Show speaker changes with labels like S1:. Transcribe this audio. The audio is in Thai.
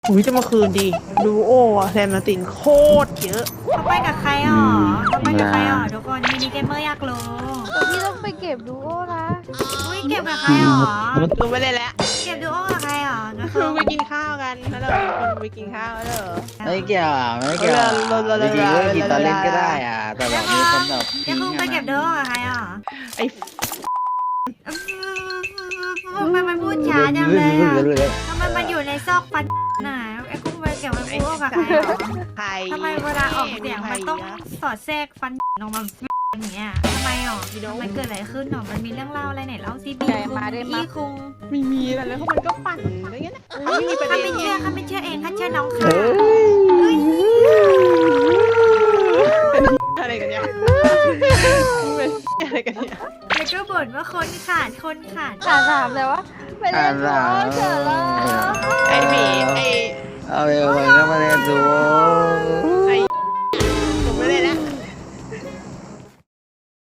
S1: อุ้ยจะมาคืนดีดูโออะแซมมาตินโคตรเยอะ
S2: เขาไปกับใครอ๋อเขาไปกับใครอ๋อทุกคนมินิเกมเมอร์อยากรู้
S3: แต่พี่ต้องไปเก็บดูโอนะ
S2: อุ้ยเก็บกับใครอ๋อ
S1: ดูไม่ได้แล้ว
S2: เก็บดูโอกับใครอ๋อนะ
S1: คือไปกินข้าวกันแล้วเราคนไปกินข้าวแล้วเหรอ
S4: ไม่เกี่ยวอ่ะไม่เกี่ยวอ่ะจริงๆก็กินตอนเล่นก็ได้อ่ะแต่แบบมีคนแบบ
S2: เดี๋ยวคุณไปเก็บดูโอกับใครอ๋อ
S1: ไอ้
S2: ทำไมมันพูดช้าจังเลยอ่ะทำไมมันอยู่ในซอกฟันน่ะไอ้กุ้งไปเก็บมันพูดกับใครอ๋อ
S1: ใคร
S2: ทำไมเวลาออกเสียงมันต้องสอดแทรกฟันออกมาอย่างเงี้ยทำไมอ๋อมันเกิดอะไรขึ้นหรอมันมีเรื่องเล่าอะไรไหนเล่าซิบีคุงพี่คุง
S1: ไม่มีอะไรแล้วเขามันก็ปั่นอะไรเงี้ยนะไม่มีประ
S2: ข้า
S1: เด็น
S2: ไม่เชื่อข้าไม่เชื่อเองข้าเชื่อน้องค่ะ
S1: อะไรกันเนี่ยอะไรกันเนี่ย
S2: แล้วก็บ่นว่าคนขาดคนขาด
S3: ถามเลยว่าไปเล่นดูโอเถอะแล้ว
S1: ไอ้หมีไอ้
S4: เอาไปก็มาเล่นดู